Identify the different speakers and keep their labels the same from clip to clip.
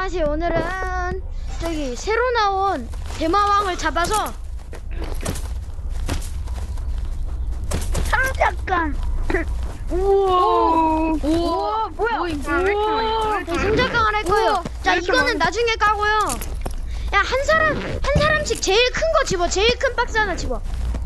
Speaker 1: 안녕하세요. 오늘은 저기 새로 나온 대마왕을 잡아서
Speaker 2: 상작관.
Speaker 1: 우와
Speaker 2: 우와, 뭐야?
Speaker 1: 우와 상자깡을 할 거예요. 자, 이거는 나중에 까고요. 야, 한 사람씩 제일 큰 거 집어. 제일 큰 박스 하나 집어.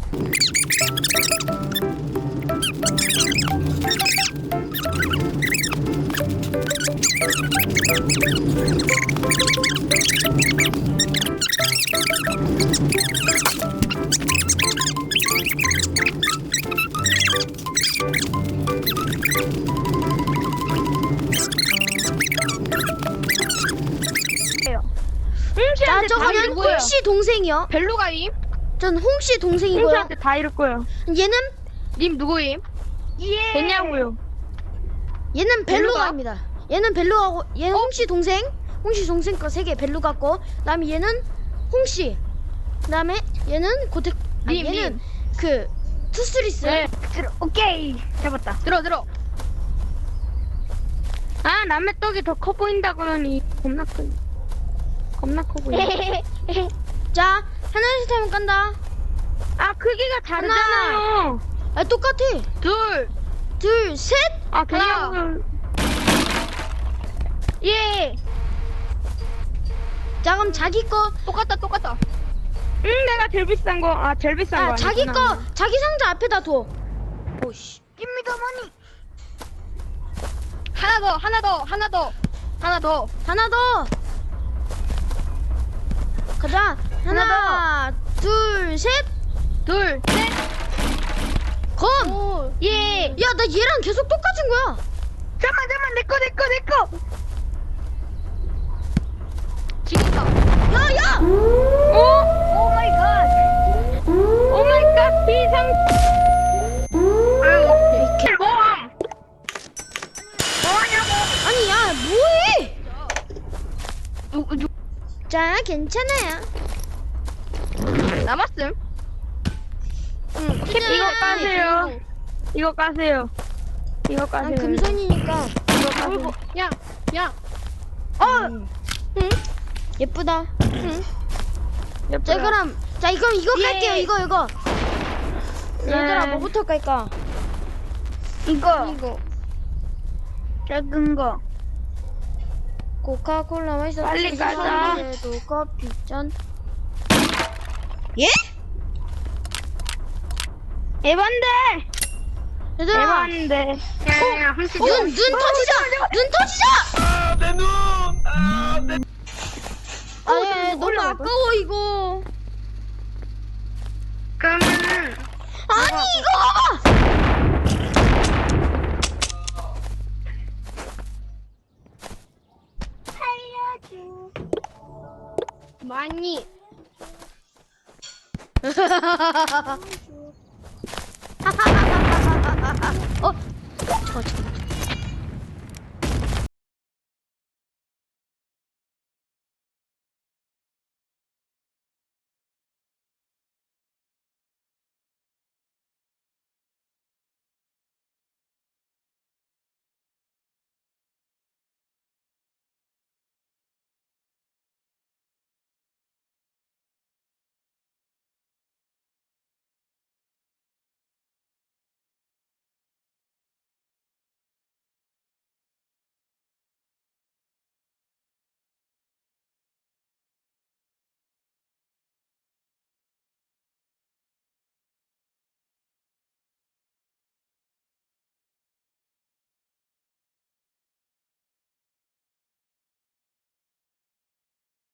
Speaker 1: 자, 저거는 홍씨 동생이요.
Speaker 2: 벨루가임?
Speaker 1: 전 홍씨 동생이고요.
Speaker 2: 홍씨한테 다 이럴 거예요.
Speaker 1: 얘는
Speaker 2: 님 누구임?
Speaker 1: 예.
Speaker 2: 됐냐고요?
Speaker 1: 얘는
Speaker 2: 벨루가?
Speaker 1: 벨루가입니다. 얘는 벨루가고 얘는 홍씨 동생. 홍씨 동생 거 3개 벨루 같고, 그다음에 얘는 홍씨. 그다음에 얘는 고택.
Speaker 2: 님,
Speaker 1: 얘는 그 투스리스.
Speaker 2: 네. 오케이. 잡았다. 들어. 아, 남의 떡이 더 커 보인다 그러니 겁나 커 보여.
Speaker 1: 자, 하나씩 하면 깐다.
Speaker 2: 아, 크기가 다르잖아요.
Speaker 1: 아, 똑같아. 둘, 셋.
Speaker 2: 아, 그냥 예.
Speaker 1: 자, 그럼 자기 거.
Speaker 2: 똑같다. 내가 제일 비싼 거. 아, 제일 비싼 거.
Speaker 1: 아, 자기
Speaker 2: 아니구나.
Speaker 1: 거, 자기 상자 앞에다 둬. 오씨.
Speaker 2: 깁니다머니. 하나 더.
Speaker 1: 하나 더. 가자. 하나, 둘, 셋. 검.
Speaker 2: 예.
Speaker 1: 야, 나 얘랑 계속 똑같은 거야.
Speaker 2: 잠깐만, 내 거. 지금다.
Speaker 1: 야.
Speaker 2: 오 마이 갓. 비상. 모함. 뭐하냐고.
Speaker 1: 아니, 야, 뭐해? 자, 괜찮아요.
Speaker 2: 남았음.
Speaker 1: 이거
Speaker 2: 까세요. 이거 까세요.
Speaker 1: 난 금손이니까.
Speaker 2: 야.
Speaker 1: 응? 예쁘다. 자, 그럼 이거 깔게요. 이거. 얘들아, 뭐부터 깔까?
Speaker 2: 이거. 작은 거.
Speaker 1: 코카콜라 맛있어.
Speaker 2: 빨리 가자.
Speaker 1: 도 커피 짠. 예?
Speaker 2: 에반데.
Speaker 1: 얘들아,
Speaker 2: 에반데.
Speaker 1: 눈 터지자.
Speaker 3: 아, 내 눈! 아, 내...
Speaker 1: 아니, 너무 아까워 이거.
Speaker 2: 그러면은.
Speaker 1: 아니, 이거 봐봐.
Speaker 2: 많이.
Speaker 1: 어? 잠깐.